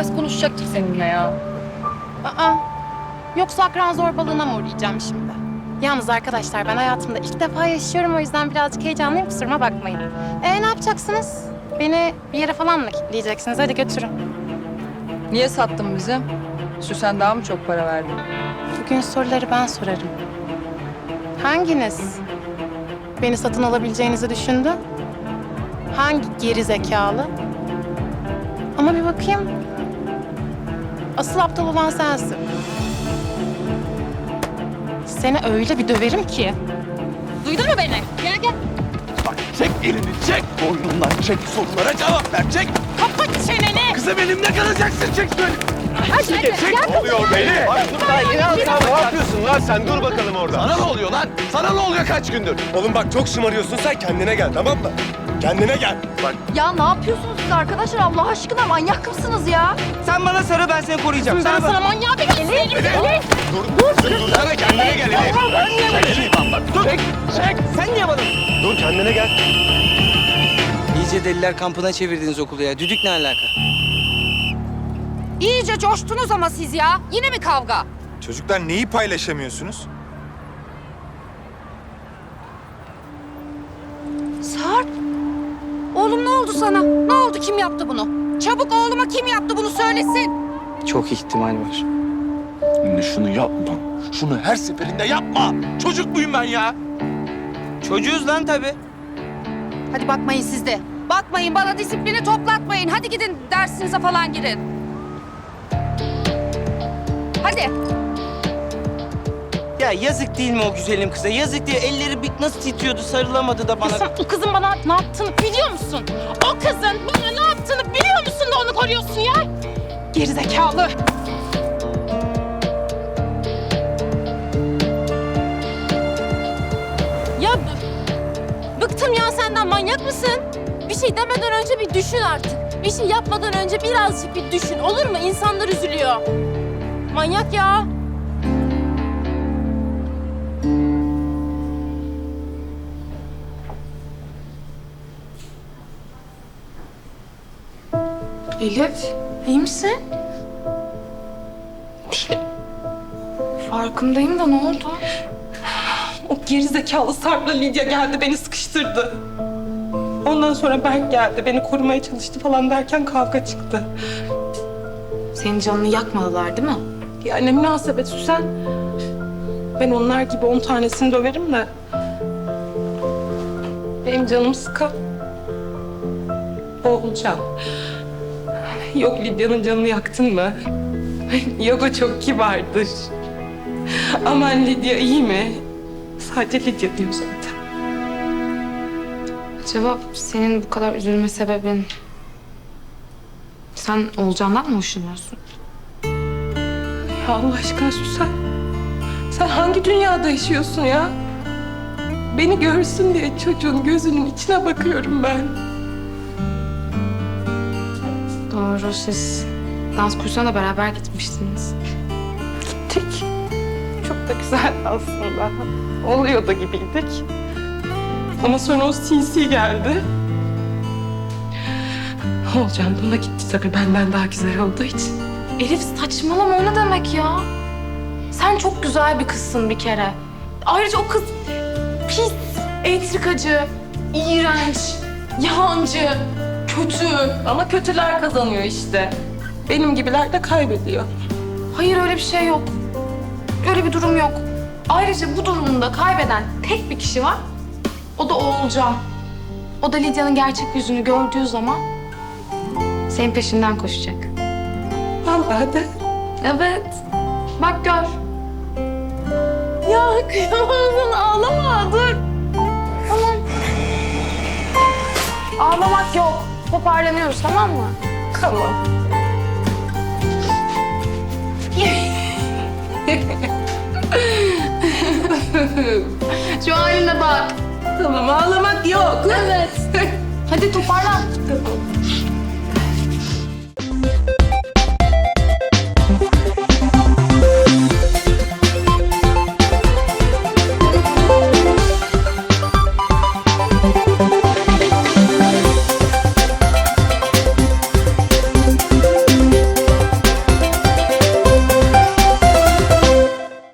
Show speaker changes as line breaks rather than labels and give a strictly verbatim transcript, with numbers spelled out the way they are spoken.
biraz konuşacaktık seninle ya.
Aa, yoksa akran zorbalığına mı uğrayacağım şimdi? Yalnız arkadaşlar ben hayatımda ilk defa yaşıyorum o yüzden birazcık heyecanlıyım kusuruma bakmayın. Ee ne yapacaksınız? Beni bir yere falan mı kilitleyeceksiniz? Hadi götürün.
Niye sattın bizi? Süsen daha mı çok para verdi?
Bugün soruları ben sorarım. Hanginiz beni satın alabileceğinizi düşündü? Hangi geri zekalı? Ama bir bakayım. Asıl aptal olan sensin. Seni öyle bir döverim ki. Duydun mu beni? Gel gel.
Bak çek elini çek. Boynundan çek, sorulara cevap ver çek.
Kapat çeneni.
Kızım elimde kalacaksın çek şöyle.
Hadi
Çek,
gel.
çek.
Gel.
Ne oluyor beni? Bak dur daha yeni aldım.
Ne yapıyorsun lan sen? Dur bakalım orada.
Sana ne oluyor lan? Sana ne oluyor kaç gündür?
Oğlum bak çok şımarıyorsun sen, kendine gel tamam mı? Kendine gel. Bak
Ya ne yapıyorsunuz siz arkadaşlar? Allah aşkına manyak mısınız ya?
Sen bana sarı, ben seni koruyacağım.
Ben
Sana
sana manyağı bir göstereyim. Elif.
dur, dur, dur, sana kendine gel Elif.
Çek Şivan bak. Dur. Çek. Çek.
Sen niye bana?
Dur kendine gel.
İyice deliler kampına çevirdiniz okulu ya. Düdük ne alaka?
İyice coştunuz ama siz ya. Yine mi kavga?
Çocuklar neyi paylaşamıyorsunuz?
Sarp. Oğlum ne oldu sana? Ne oldu? Kim yaptı bunu? Çabuk oğluma kim yaptı bunu söylesin.
Çok ihtimal var.
Şimdi şunu yapma. Şunu her seferinde yapma. Çocuk muyum ben ya?
Çocuğuz lan tabii.
Hadi bakmayın siz de. Bakmayın bana disiplini toplatmayın. Hadi gidin dersinize falan girin. Hadi.
Ya yazık değil mi o güzelim kıza? Yazık değil. Elleri bir nasıl titriyordu, sarılamadı da bana.
Sen o kızın bana ne yaptığını biliyor musun? O kızın bana ne yaptığını biliyor musun da onu koruyorsun ya? Gerizekalı. Ya b- bıktım ya senden, manyak mısın?
Bir şey demeden önce bir düşün artık. Bir şey yapmadan önce birazcık bir düşün. Olur mu? İnsanlar üzülüyor. Manyak ya.
Elif, iyi misin? Farkındayım da ne oldu?
O gerizekalı Sarp'la Lidya geldi, beni sıkıştırdı. Ondan sonra Berk geldi, beni korumaya çalıştı falan derken kavga çıktı.
Senin canını yakmadılar değil mi?
Ya ne münasebet Süsen. Ben onlar gibi on tanesini döverim de. Benim canım sıkan Oğulcan. Yok Lidya'nın canını yaktın mı? Yok o çok kibardır. Aman Lidya iyi mi? Sadece Lidya diyor zaten.
Acaba senin bu kadar üzülme sebebin... Sen Oğulcan'dan mı hoşlanıyorsun?
Ya Allah aşkına Süsen. Sen hangi dünyada yaşıyorsun ya? Beni görsün diye çocuğun gözünün içine bakıyorum ben.
Doğru, siz dans kursuna da beraber gitmiştiniz.
Gittik. Çok da güzeldi aslında. Oluyor da gibiydik. Ama sonra o sinsi geldi. Olcan buna gitti tabii benden daha güzel olduğu için.
Elif saçmalama, o ne demek ya? Sen çok güzel bir kızsın bir kere. Ayrıca o kız pis, entrikacı, iğrenç, yalancı, kötü.
Ama kötüler kazanıyor işte. Benim gibiler de kaybediyor.
Hayır, öyle bir şey yok. Öyle bir durum yok. Ayrıca bu durumda kaybeden tek bir kişi var. O da Oğulcan. O da Lidya'nın gerçek yüzünü gördüğü zaman
Senin peşinden koşacak.
Vallahi de.
evet. Bak gör. Ya kıyamam, ağlama, dur. Tamam. Ağlamak yok. Toparlanıyoruz, tamam mı?
Tamam.
Şu haline bak.
Tamam ağlamak yok.
Evet. Hadi toparlan.
Tamam.